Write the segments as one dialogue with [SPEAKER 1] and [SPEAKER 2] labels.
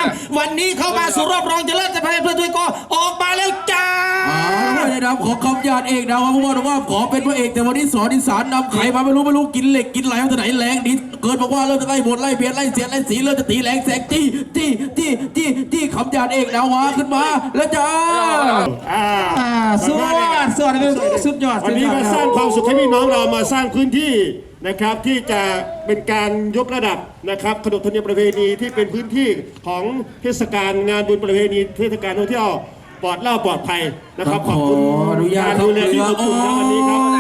[SPEAKER 1] วันนี้เข้ามาสู่รอบรองชนะเลิศจะพาเพื่อนด้วยก็ออกมาแล้วจ้า
[SPEAKER 2] ได้นำของคำญาติเอกนะว่าผู้ว่าขอเป็นพระเอกแต่วันนี้สอนอีสานนำไข่มาไม่รู้กินเหล็กกินไหลมาจากไหนแรงดิเกิดบอกว่าเริ่มจะไล่บทไล่เบียดไล่เสียไล่สีเริ่มจะตีแรงแสงจี้คำญาติเอกนะวะขึ้นมาแล้วจ้า
[SPEAKER 1] สุดยอด
[SPEAKER 3] วันนี้มาสร้างความสุขให้พี่น้องเรามาสร้างพื้นที่นะครับที่จะเป็นการยกระดับนะครับขนบธรรมเนียมประเพณีที่เป็นพื้นที่ของเทศกาลงานบุญประเพณีเทศกาลท่องเที่ยวปลอดภัยนะครับขอบคุณการดูแลที่อบอุ่นในวันนี้ครับ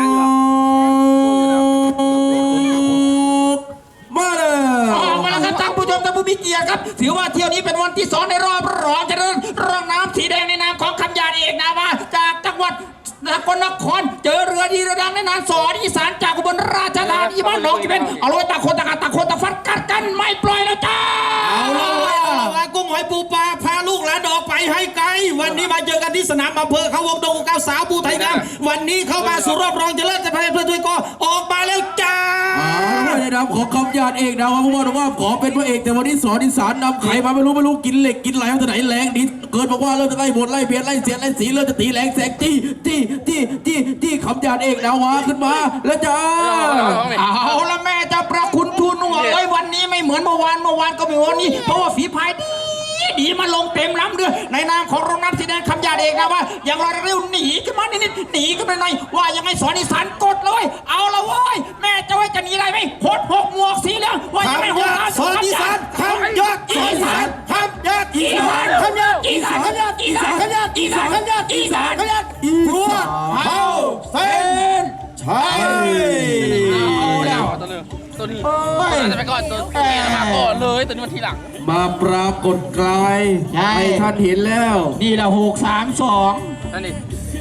[SPEAKER 1] มาเลยออกมาแล้วครับท่านผู้ชมท่านผู้มีเกียรติครับถือว่าเที่ยวนี้เป็นวันที่2ในรอบรองชนะเลิศรองน้ำสีแดงในนามของคำญาติเอกนาวาจากจังหวัดสกลนครเจอเรือดีเรือดังในนามสอนอีสานจากอุบลราชธานีบ้านหนองกี่เป็นเอาเลยตะโคนตะฟัดกัดกันไม่ปล่อยแล้วจ้าเอาละกุ้งหอยปูปลาพาลูกหลานออกไปให้ไกลวันนี้มาเจอกันที่สนามอำเภอเขาวงดงเก้าสาวปูไทยงามวันนี้เข้ามาสู่รอบรองชนะเลิศจะพาเพื่อนด้วยก็ออกมาแล้วจ้า
[SPEAKER 2] ได้นำของคำญาติเอกนะว่าผู้ว่าขอเป็นพระเอกแต่วันนี้สอนอีสานนำไข่มาไม่รู้กินเหล็กกินไหลมาจากไหนแรงดิเกิดบอกว่าเริ่มจะไล่บทไล่เบียดไล่เสียไล่สีเริ่มจะตีแรงแสงจี้คำญาติเอกนะวะขึ้นมาแล้วจ้า
[SPEAKER 1] เอาละแม่จะประคุณทูลหัวเอ้ยวันนี้ไม่เหมือนเมื่อวานก็ไม่วันนี้เพราะว่าฝีพายดีมาลงเต็มล้ำเรือในนามของโรงน้ำสีแดงคำญาติเอกนะว่าอย่างไรเร็วหนีขึ้นมานิดหนีขึ้นไปหน่อยว่ายังไงสอนอีสานกดเลยเอาละเว้ยแม่จะไว้จะหนีอะไรไหมหดหกหมวกสีเหลืองว่ายังไงหด
[SPEAKER 3] สอนอีสานคำญาติอีสานคำญาติอีสานคำญาติอีสานคำญาติอีสานคำญาติอีสานคำญาติอีสานคำญาติอีสานเฮาเส้นชัย
[SPEAKER 4] เอาแล้วตัวนี้จะไปก่อนตัวนี้มาก่อนเลยตัวนี้มันทีหลัง
[SPEAKER 2] มาปรากฏกายให้ท่านเห็นแล้ว
[SPEAKER 1] นี่ละ6-3-2
[SPEAKER 4] นั่นดิ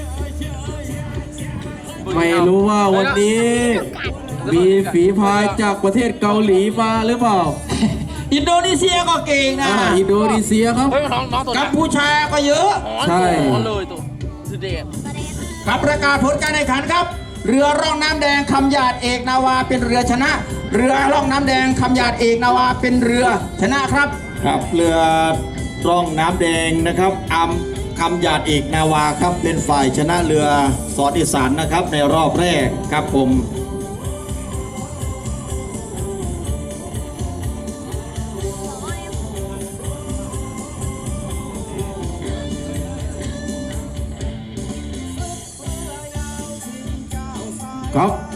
[SPEAKER 2] ไม่รู้ว่าวันนี้มีฝีพายจากประเทศเกาหลีมาหรือเปล่า
[SPEAKER 1] อินโดนีเซียก็เก่งนะ
[SPEAKER 2] อินโดนีเซียครับ
[SPEAKER 1] กัมพูชาก็เยอะ
[SPEAKER 2] ใช่
[SPEAKER 4] เลยตัวสุดเด็ด
[SPEAKER 1] ครับประกาศผลการแข่งขันครับเรือร่องน้ำแดงคำญาติเอกนาวาเป็นเรือชนะเรือร่องน้ำแดงคำญาติเอกนาวาเป็นเรือชนะครับ
[SPEAKER 3] ครับเรือร่องน้ำแดงนะครับคำญาติเอกนาวาครับเป็นฝ่ายชนะเรือสอนอีสานนะครับในรอบแรกครับผม
[SPEAKER 2] ครับ